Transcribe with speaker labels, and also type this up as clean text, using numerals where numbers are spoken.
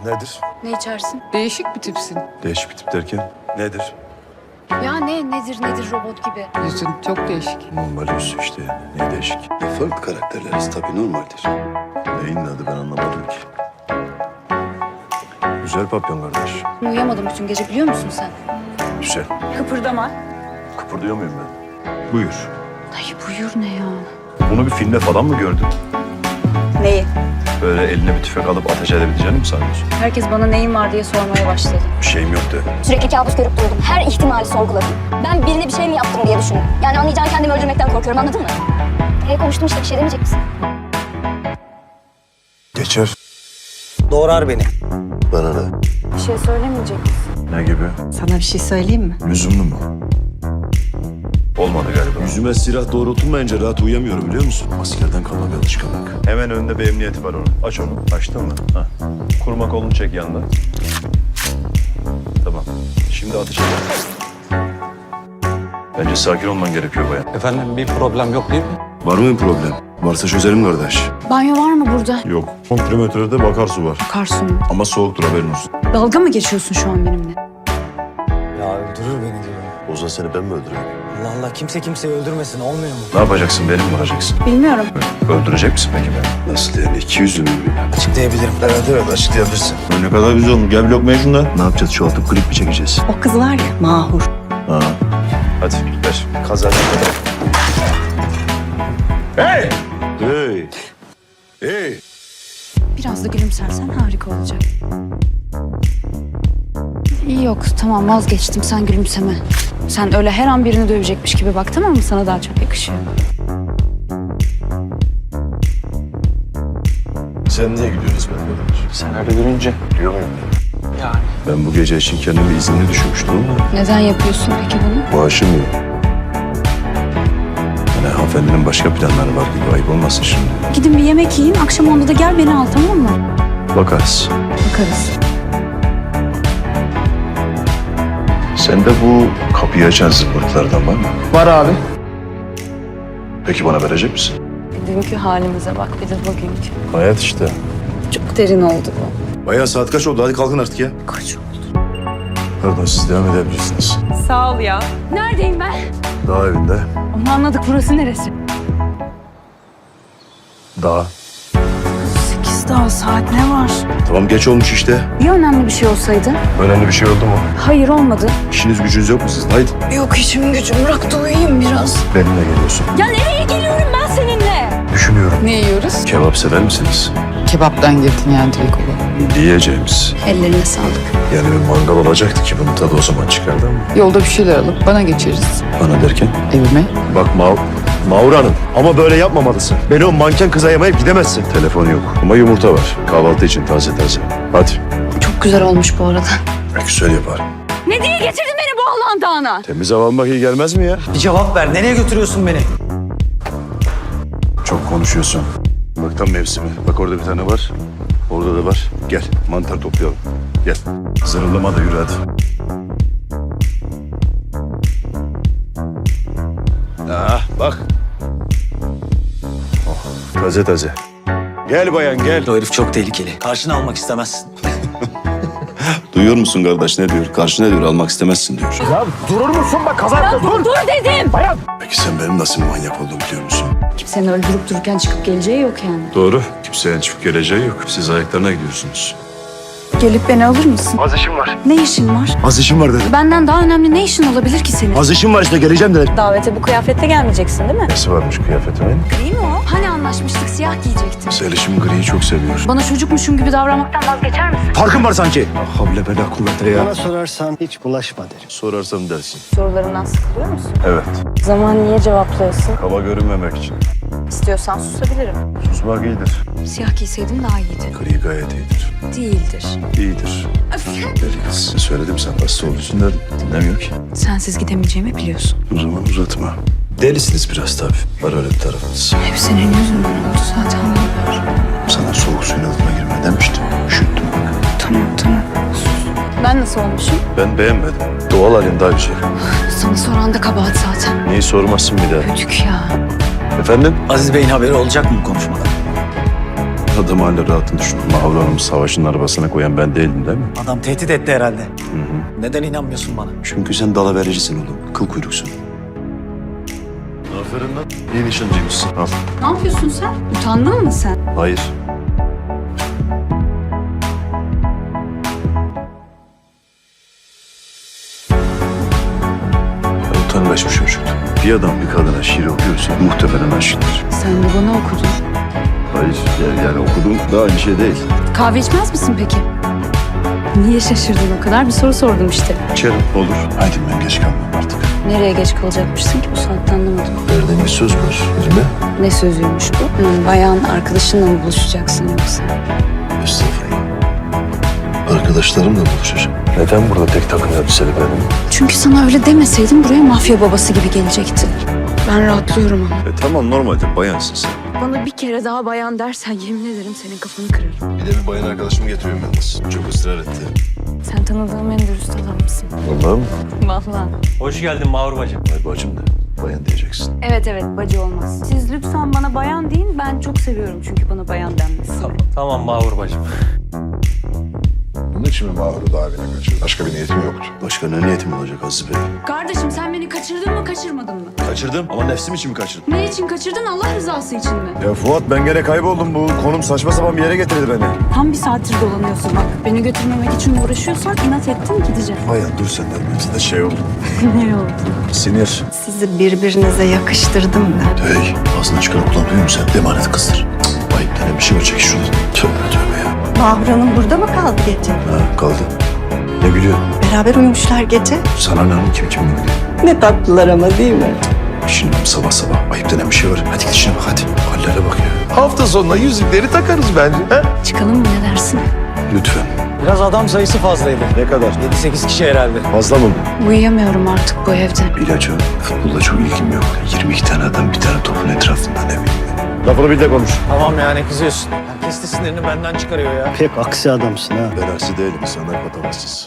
Speaker 1: Nedir?
Speaker 2: Ne içersin?
Speaker 3: Değişik bir tipsin.
Speaker 1: Değişik bir tip derken nedir?
Speaker 2: Ya nedir robot gibi.
Speaker 3: Yüzün çok değişik.
Speaker 1: Normal yüz işte. Ne değişik?
Speaker 4: Farklı karakterleriz tabii normaldir.
Speaker 1: Neyin adı ben anlamadım ki. Güzel papyon kardeş.
Speaker 2: Uyuyamadım bütün gece biliyor musun sen?
Speaker 1: Güzel.
Speaker 2: Kıpırdama.
Speaker 1: Kıpırdıyor muyum ben? Buyur.
Speaker 2: Ay buyur ne ya?
Speaker 1: Bunu bir filmde falan mı gördün?
Speaker 2: Neyi?
Speaker 1: Böyle eline bir tüfek alıp ateş edebileceğini mi sanıyorsun?
Speaker 2: Herkes bana neyin var diye sormaya başladı.
Speaker 1: Bir şeyim yok de.
Speaker 5: Sürekli kabus görüp durdum. Her ihtimali sorguladım. Ben birine bir şey mi yaptım diye düşündüm. Yani anlayacağın kendimi öldürmekten korkuyorum, anladın mı? Konuştum işte, bir şey demeyecek misin?
Speaker 1: Geçer.
Speaker 4: Doğrar beni. Bana ne?
Speaker 2: Bir şey söylemeyecek misin?
Speaker 1: Ne gibi?
Speaker 6: Sana bir şey söyleyeyim mi?
Speaker 1: Lüzumlu mu? Olmadı galiba. Yüzüme silah doğrultulmayınca rahat uyuyamıyorum biliyor musun? Askerden kalma bir alışkanlık. Hemen önünde bir emniyeti var onun. Aç onu. Açtın mı? Ha. Kurma kolunu çek yandan. Tamam. Şimdi ateş et. Bence sakin olman gerekiyor bayan.
Speaker 7: Efendim bir problem yok değil mi?
Speaker 1: Var mı bir problem? Varsa çözelim kardeş.
Speaker 2: Banyo var mı burada?
Speaker 1: Yok. 10 kilometrede bakarsu var.
Speaker 2: Akarsu mu?
Speaker 1: Ama soğuktur haberin olsun.
Speaker 2: Dalga mı geçiyorsun şu an benimle?
Speaker 8: Ya öldürür beni diyorum.
Speaker 1: Ozan seni ben mi öldüreyim?
Speaker 8: Allah Allah kimse kimseyi öldürmesin olmuyor mu?
Speaker 1: Ne yapacaksın? Beni mi vuracaksın?
Speaker 2: Bilmiyorum.
Speaker 1: Öldürecek misin peki beni? Nasıl yani? 200 mü?
Speaker 8: Açıklayabilirim.
Speaker 1: Evet açıklayabilirsin. Ne kadar güzel olmuş. Gel bir lokmaya şundan. Ne yapacağız? Çoğaltıp klip mi çekeceğiz?
Speaker 6: O kız var ya Mahur.
Speaker 1: Ha. Hadi ver. Kazan. Hey! Hey! Hey!
Speaker 2: Biraz da gülümsersen harika olacak. İyi yok tamam vazgeçtim sen gülümseme. Sen öyle her an birini dövecekmiş gibi bak tamam mı? Sana daha çok yakışıyor.
Speaker 1: Sen niye gülüyorsun ben?
Speaker 7: Sen öyle görünce.
Speaker 1: Gülüyor muyum?
Speaker 7: Yani.
Speaker 1: Ben bu gece için kendimi izinli düşürmüştüm ama
Speaker 2: Neden yapıyorsun peki bunu?
Speaker 1: maaşım yok. Yani hanımefendinin başka planları var gibi ayıp olmasın şimdi.
Speaker 2: Gidin bir yemek yiyin akşam onda da gel beni al tamam mı?
Speaker 1: Bakarız.
Speaker 2: Bakarız.
Speaker 1: Sende bu kapıyı açan zımbırtılardan var mı?
Speaker 7: Var abi.
Speaker 1: Peki bana verecek misin?
Speaker 2: Dünkü halimize bak bir de bugünkü.
Speaker 1: Hayat işte.
Speaker 2: Çok derin oldu bu.
Speaker 1: Bayağı saat kaç oldu? Hadi kalkın artık ya.
Speaker 2: Kaç oldu?
Speaker 1: Pardon siz devam edebilirsiniz.
Speaker 3: Sağ ol ya.
Speaker 2: Neredeyim ben?
Speaker 1: Dağ evinde.
Speaker 2: Onu anladık burası neresi?
Speaker 1: Dağ.
Speaker 2: 8 daha saat ne var?
Speaker 1: Tamam geç olmuş işte.
Speaker 2: Ya önemli bir şey olsaydı?
Speaker 1: Önemli bir şey oldu mu?
Speaker 2: Hayır olmadı.
Speaker 1: İşiniz gücünüz yok mu sizin? Haydi.
Speaker 2: Yok işim gücüm bırak da uyuyayım biraz.
Speaker 1: Benimle geliyorsun.
Speaker 2: Ya nereye geliyorum ben seninle?
Speaker 1: Düşünüyorum.
Speaker 3: Ne yiyoruz?
Speaker 1: Kebap sever misiniz?
Speaker 3: Kebaptan girdin yani direkt olarak.
Speaker 1: Diyeceğimiz.
Speaker 2: Ellerine sağlık.
Speaker 1: Yani bir mangal olacaktı ki bunun tadı o zaman çıkardı ama.
Speaker 3: Yolda bir şeyler alıp bana geçeriz.
Speaker 1: Bana derken?
Speaker 3: Evime.
Speaker 1: Bak Mağur Hanım ama böyle yapmamalısın. Beni o manken kıza yamayıp gidemezsin. Telefon yok ama yumurta var. Kahvaltı için taze taze. Hadi.
Speaker 2: Çok güzel olmuş bu arada.
Speaker 1: Güzel yapar.
Speaker 2: Ne diye getirdin beni bu Allah'ın dağına?
Speaker 1: Temiz hava almak iyi gelmez mi ya?
Speaker 8: Bir cevap ver. Nereye götürüyorsun beni?
Speaker 1: Çok konuşuyorsun. Bak tam mevsimi. Bak orada bir tane var. Orada da var. Gel mantar toplayalım. Gel. Zırıldama da yürü hadi. Bak. Oh, taze taze. Gel bayan gel.
Speaker 8: O herif çok tehlikeli. Karşına almak istemezsin.
Speaker 1: Duyuyor musun kardeş ne diyor? Karşı ne diyor? Almak istemezsin diyor.
Speaker 2: Dur dedim.
Speaker 1: Peki sen benim nasıl bir manyak olduğumu biliyor musun?
Speaker 2: Kimsenin öldürüp dururken çıkıp geleceği yok yani.
Speaker 1: Doğru. Kimsenin çıkıp geleceği yok. Siz ayaklarına gidiyorsunuz.
Speaker 2: Gelip beni alır mısın? Az işim var. Ne işin var?
Speaker 1: Az işim var dedim.
Speaker 2: Benden daha önemli ne işin olabilir ki senin?
Speaker 1: Az işim var işte geleceğim dedim.
Speaker 2: Davete bu kıyafetle gelmeyeceksin değil mi?
Speaker 1: Nesi varmış kıyafetimin?
Speaker 2: Gri mi o? Hani anlaşmıştık siyah giyecektin.
Speaker 1: Selişim griyi çok seviyor.
Speaker 2: Bana çocukmuşum gibi davranmaktan vazgeçer misin?
Speaker 1: Farkın var sanki. Ah havle bela kuvvete ya.
Speaker 4: Bana sorarsan hiç bulaşma derim.
Speaker 1: Sorarsam dersin.
Speaker 2: Sorularından sıkılıyor musun?
Speaker 1: Evet.
Speaker 2: O zaman niye cevaplayasın?
Speaker 1: Kaba görünmemek için.
Speaker 2: İstiyorsan susabilirim.
Speaker 1: Susmak iyidir.
Speaker 2: Siyah giyseydim daha iyiydi.
Speaker 1: Gri gayet iyidir.
Speaker 2: Değildir.
Speaker 1: İyidir. Deli kız. Söyledim sen hasta olursun dedim. Dinlemiyor ki.
Speaker 2: Sensiz gidemeyeceğimi biliyorsun.
Speaker 1: O zaman uzatma. Delisiniz biraz tabii. Var öyle bir tarafınız.
Speaker 2: Hep senin yüzünden oldu zaten.
Speaker 1: Sana soğuk suyun altına girme demiştim. Üşüttüm bak.
Speaker 2: Tamam. Sus. Ben nasıl olmuşum?
Speaker 1: Ben beğenmedim. Doğal halin daha güzel.
Speaker 2: Sana soran da kabahat zaten.
Speaker 1: Neyi sormazsın bir daha?
Speaker 2: Ödük ya.
Speaker 1: Efendim?
Speaker 8: Aziz Bey'in haberi olacak mı bu konuşmadan?
Speaker 1: Adam hala rahatını düşün. Mahvur Hanım'ı savaşın arabasına koyan ben değildim değil mi?
Speaker 8: Adam tehdit etti herhalde. Neden inanmıyorsun bana?
Speaker 4: Çünkü sen dalavericisin oğlum. Kıl kuyruksun.
Speaker 1: Aferin lan. İyi nişancıymışsın. Al.
Speaker 2: Ne yapıyorsun sen? Utandın mı sen?
Speaker 1: Hayır. Utangaç bir çocuk. Bir adam bir kadına şiir okuyorsa muhtemelen aşıktır.
Speaker 2: Sen de bana okudun.
Speaker 1: Hayır yani okudum da aynı şey değil.
Speaker 2: Kahve içmez misin peki? Niye şaşırdın o kadar? Bir soru sordum işte.
Speaker 1: İçerim olur. Haydi ben geç kalmam artık.
Speaker 2: Nereye geç kalacakmışsın ki bu saatte anlamadım.
Speaker 1: Verdiğin bir söz var birine.
Speaker 2: Ne sözüymüş bu? Bayan arkadaşınla mı buluşacaksın yoksa?
Speaker 1: Estağfurullah. Arkadaşlarımla buluşacağım. Neden burada tek takım elbiseli benim?
Speaker 2: Çünkü sana öyle demeseydim buraya mafya babası gibi gelecekti. Ben rahatlıyorum ama.
Speaker 1: Tamam normalde bayansın sen.
Speaker 2: Bana bir kere daha bayan dersen yemin ederim senin kafanı kırarım.
Speaker 1: Bir de bir bayan arkadaşımı getiriyorum yalnız. Çok ısrar etti.
Speaker 2: Sen tanıdığım en dürüst adamsın.
Speaker 1: Vallahi mı?
Speaker 2: Vallahi.
Speaker 7: Hoş geldin Mahur bacım.
Speaker 1: Ay bacım da bayan diyeceksin.
Speaker 2: Evet bacı olmaz. Siz lütfen bana bayan deyin. Ben çok seviyorum çünkü bana bayan denmesini.
Speaker 7: Tamam Mahur bacım.
Speaker 9: Bunun için mi Mahur'u daha evine kaçırdın? Başka bir niyetim yoktu.
Speaker 1: Başka ne niyetim olacak Aziz Bey?
Speaker 2: Kardeşim sen beni kaçırdın mı kaçırmadın mı?
Speaker 1: Kaçırdım ama nefsim için mi kaçırdım?
Speaker 2: Ne için kaçırdın? Allah rızası için mi?
Speaker 1: Ya Fuat ben gene kayboldum. Bu konum saçma sapan bir yere getirdi beni.
Speaker 2: Tam bir saattir dolanıyorsun bak. Beni götürmemek için uğraşıyorsan inat ettin gideceğim.
Speaker 1: Bayan dur sen de. Bize de şey oldu.
Speaker 2: Ne oldu?
Speaker 1: Sinir.
Speaker 6: Sizi birbirinize yakıştırdım da.
Speaker 1: Hey ağzına çıkan kullanmıyor musun sen? Emanet kızdır. Ayıp denen bir şey var çek şuradan. Tövbe tövbe ya.
Speaker 6: Mahur Hanım burada mı kaldı gece?
Speaker 1: Ha kaldı. Ne gülüyor?
Speaker 6: Beraber uyumuşlar gece.
Speaker 1: Sana ne hanım kim bilir?
Speaker 6: Ne tatlılar ama değil mi?
Speaker 1: Şimdi sabah sabah ayıp denen bir şey var. Hadi git işine bak hadi. Hallere bak ya.
Speaker 9: Hafta sonuna yüzükleri takarız bence. He?
Speaker 2: Çıkalım mı ne dersin?
Speaker 1: Lütfen.
Speaker 8: Biraz adam sayısı fazlaydı.
Speaker 1: Ne kadar?
Speaker 8: 7-8 kişi herhalde.
Speaker 1: Fazla mı bu?
Speaker 2: Uyuyamıyorum artık bu evde.
Speaker 1: İlaç o. Futbolla çok ilgim yok. 22 tane adam bir tane topun etrafında ne bileyim. Lafını bil de konuş.
Speaker 8: Tamam ya ne kızıyorsun? Herkes de sinirini benden çıkarıyor ya.
Speaker 4: Pek aksi adamsın ha.
Speaker 1: Ben aksi değilim. İnsanlar patavatsız.